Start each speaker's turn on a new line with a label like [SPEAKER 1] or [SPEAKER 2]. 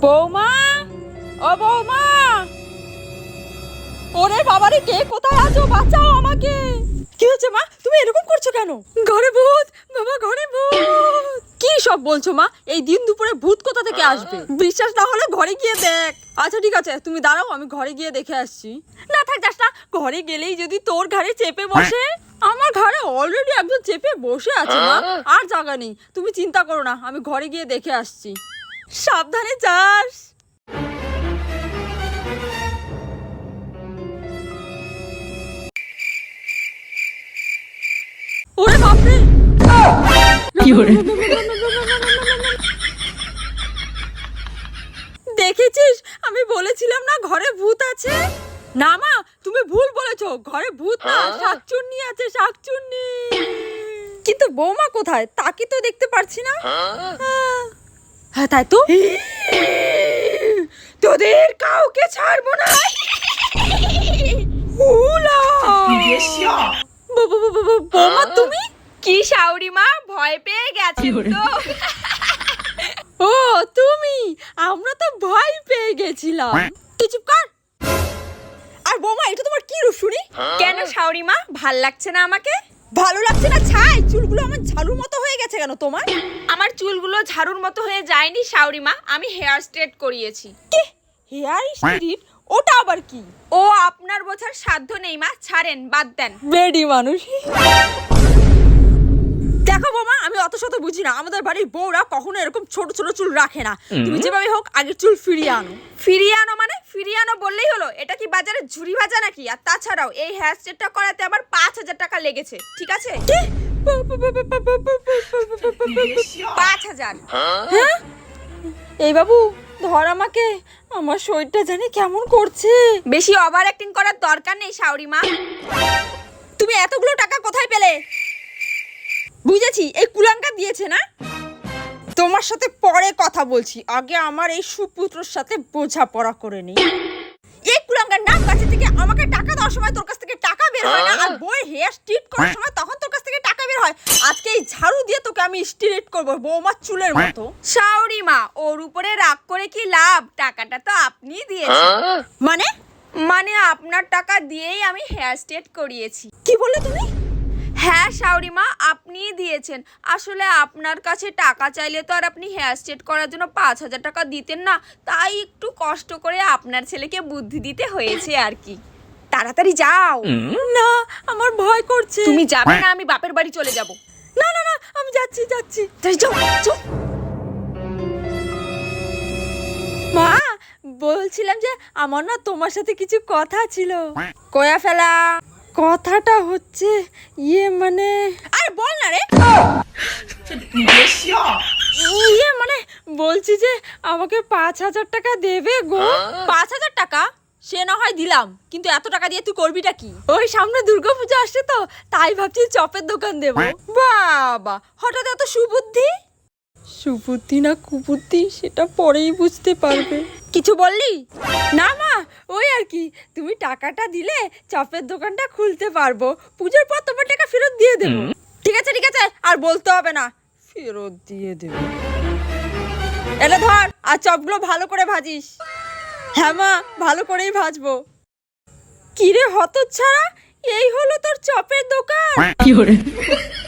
[SPEAKER 1] বৌমা, ও বৌমা, ওরে বাবারে, কে কোথায় আছো? বাঁচাও আমাকে। কি হচ্ছে মা? তুমি এরকম করছো কেন? ঘরে ভূত বাবা, ঘরে ভূত। কি সব বলছো মা? এই দিন দুপুরে ভূত কোথা থেকে আসবে? বিশ্বাস না হলে ঘরে গিয়ে দেখ। আচ্ছা ঠিক আছে, তুমি দাঁড়াও, আমি ঘরে গিয়ে দেখে আসছি। না থাক, যাস না। ঘরে গেলেই যদি তোর ঘাড়ে চেপে বসে। আমার ঘরে অলরেডি একজন চেপে বসে আছে মা, আর জায়গা নেই। তুমি চিন্তা করো না, আমি ঘরে গিয়ে দেখে আসছি। সাবধানে যাস। ওরে বাপরে, দেখেছিস? আমি বলেছিলাম না ঘরে ভূত আছে। না মা, তুমি ভুল বলেছো, ঘরে ভূত না, শাকচুন্নি আছে, শাকচুন্নি। কিন্তু বৌমা কোথায়? তাকে তো দেখতে পারছি না। হ্যাঁ তাই তো। তোদের কাউকে ছাড়বো না। বৌমা তুমি
[SPEAKER 2] কি শাওরি মা, ভয় পেয়ে গেছি তো।
[SPEAKER 1] ও তুমি, আমরা তো ভয় পেয়ে গেছিলাম। তুই চুপ কর। আর বৌমা, এটা তোমার কি রূপ শুনি?
[SPEAKER 2] কেন শাওরি মা, ভাল লাগছে না আমাকে?
[SPEAKER 1] ভালো লাগছে না ছাই? চুলগুলো আমার ঝাড়ুর মতো হয়ে গেছে কেন তোমার?
[SPEAKER 2] আমার চুলগুলো ঝাড়ুর মতো হয়ে যায়নি শাওরি মা, আমি হেয়ার স্ট্রেট করিয়েছি।
[SPEAKER 1] কি হেয়ার স্ট্রিট? ওটা আবার কি?
[SPEAKER 2] ও আপনার বোঝার সাধ্য নেই মা, ছাড়েন, বাদ দেন।
[SPEAKER 1] বেডি মানুষ। দেখো বৌমা, আমি অত শত বুঝি না। আমাদের বাড়ির বউরা কখনো এরকম ছোট ছোট চুল রাখে না। তুমি যেভাবে হোক আগের চুল ফিরিয়ে আনো।
[SPEAKER 2] ফিরিয়ে আনো মানে? ফিরিয়ে আনো বললেই হলো? এটা কি বাজারে ঝুরি ভাজা নাকি? আর তাছাড়াও এই হেয়ার স্ট্রেটটা করাতে আমার 5,000 টাকা লেগেছে, ঠিক আছে? 5,000।
[SPEAKER 1] হ্যাঁ? এই বাবু, ধর আমাকে। আমার শরীরটা জানি কেমন করছে।
[SPEAKER 2] বেশি ওভার অ্যাক্টিং করার দরকার নেই শাওরি মা।
[SPEAKER 1] তুমি এতগুলো টাকা কোথায় পেলে? বুঝেছি, এই কুলাঙ্গা দিয়েছে না? তোমার সাথে পরে কথা বলছি, আগে আমার এই সুপুত্রর সাথে বোঝাপড়া করে নেই। এই কুলাঙ্গার নাম কাছে থেকে আমাকে টাকা দেওয়ার সময় তোর কাছ থেকে টাকা বের হয় না, আর বউয়ের হেয়ার স্ট্রিট করার সময় তখন তোর কাছ থেকে টাকা বের হয়। আজকে এই ঝাড়ু দিয়ে তোকে আমি স্ট্রেট করব বৌমার চুলের মতো।
[SPEAKER 2] শাওরি মা, ওর উপরে রাগ করে কি লাভ? টাকাটা তো আপনিই দিয়েছেন।
[SPEAKER 1] মানে
[SPEAKER 2] আপনার টাকা দিয়েই আমি হেয়ার স্ট্রেট করিয়েছি।
[SPEAKER 1] কি বললে তুমি?
[SPEAKER 2] হ্যাঁ শাওরি মা, আপনিই দিয়েছেন। আসলে আপনার কাছে টাকা চাইলে তো আর আপনি হেয়ার স্ট্রেট করার জন্য 5,000 টাকা দিতেন না, তাই একটু কষ্ট করে আপনার ছেলেকে বুদ্ধি দিতে হয়েছে আর কি। তাড়াতাড়ি যাও।
[SPEAKER 1] না, আমার ভয় করছে।
[SPEAKER 2] তুমি যাবে না, আমি বাপের বাড়ি চলে যাব।
[SPEAKER 1] না না না, আমি যাচ্ছি যাচ্ছি।
[SPEAKER 2] যাও যাও।
[SPEAKER 1] মা, বলছিলাম যে আমার না তোমার সাথে কিছু কথা ছিল। কয়া ফেলা। কথাটা হচ্ছে মানে, আরে বল না রে। মানে বলছি যে আমাকে 5,000 টাকা দেবে গো। 5,000 টাকা? সে না হয় দিলাম, কিন্তু এত টাকা দিয়ে তুই করবিটা কি? ওই সামনে দুর্গাপূজা আসছে তো, তাই ভাবছি চপের দোকান দেবো। বাবা, হঠাৎ এত সুবুদ্ধি? সুবুদ্ধি না কুবুদ্ধি সেটা পরেই বুঝতে পারবে। কিছু বললি? না মা, ওই আর কি, তুমি টাকাটা দিলে চপের দোকানটা খুলতে পারবো। পুজোর পর তোমার টাকা ফেরত দিয়ে দেবো। ঠিক আছে ঠিক আছে, আর বলতে হবে না, ফেরত দিয়ে দেবো। এলে ধর, আর চপগুলো ভালো করে ভাজিস। হ্যাঁ মা, ভালো করেই ভাজবো। কিরে হতচ্ছাড়া, এই হলো তোর চপের দোকান?